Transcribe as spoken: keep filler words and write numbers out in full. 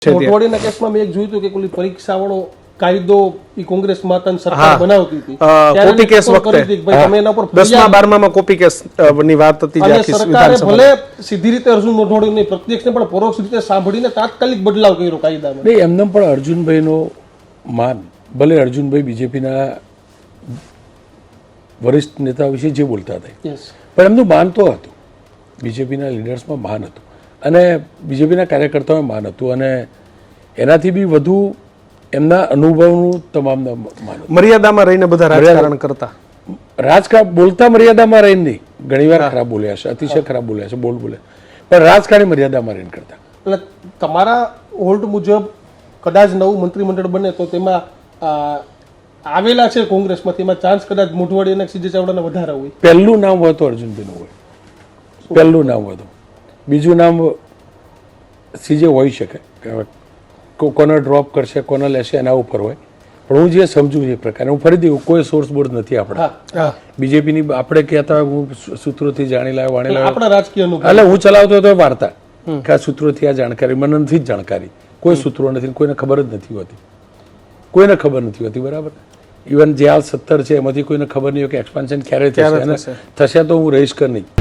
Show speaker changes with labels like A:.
A: મોટવાડીના કેસમાં મેં એક જોયું હતું કે પેલી પરીક્ષાવાળો કાયદો ઈ કોંગ્રેસ માતાની સરકાર બનાવતી હતી
B: કોપી કેસ વખતે
A: તમે એના પર
B: દસમા બારમામાં કોપી કેસ ની વાત હતી
A: અને સરકારે ભલે સીધી રીતે અર્જુન મોટવાડીની પ્રત્યક્ષ ને પણ પરોક્ષ રીતે સાંભળીને તાત્કાલિક બદલાવ કર્યો કાયદામાં.
C: નહીં, એમને પણ અર્જુનભાઈનો માન, ભલે અર્જુનભાઈ બીજેપીના વરિષ્ઠ નેતા વિશે જે બોલતા હતા પણ એમનું માન તો હતું, બીજેપીના લીડર્સમાં માન હતું અને બીજેપીના કાર્યકર્તાઓમાં માન હતું અને એનાથી બી વધુ એમના અનુભવનું તમામ માન.
B: મર્યાદામાં રહીને બધા રાજકારણ કરતા,
C: રાજકારણ બોલતા મર્યાદામાં રહીને નહીં, ઘણીવાર ખરાબ બોલ્યા છે, અતિશય ખરાબ બોલ્યા છે, બોલ બોલે, પણ રાજકારણી મર્યાદામાં રહીને કરતા.
A: એટલે તમારા હોલ્ડ મુજબ કદાચ નવું મંત્રીમંડળ બને તો તેમાં આવેલા છે કોંગ્રેસમાંથી, એમાં ચાન્સ કદાચ મોઢવાડી અને સીજે ચાવડાને વધારે હોય.
C: પહેલું નામ હોય તો અર્જુનભાઈનું હોય, પહેલું નામ હોય તો, બીજું નામ સીજે હોઈ શકે, કોને ડ્રોપ કરશે કોને લેશે એના ઉપર હોય. પણ હું જે સમજુ છું એ પ્રકારે, હું ફરીથી કોઈ સોર્સ બોર્ડ નથી આપણે બીજેપીની, આપણે કહેતા હોય હું સૂત્રોથી જાણી લાવ્યો વાણી લાવ્યો,
A: આપણા રાજકીય
C: એટલે હું ચલાવતો હતો વાર્તા કે આ સૂત્રોથી આ જાણકારી, મને નથી જ જાણકારી, કોઈ સૂત્રો નથી, કોઈને ખબર જ નથી હોતી, કોઈને ખબર નથી હોતી, બરાબર. ઇવન જે હાલ સત્તર છે એમાંથી કોઈને ખબર નહીં હોય કે એક્સપાન્શન ક્યારે થશે, થશે તો હું રહીશ કે નહીં.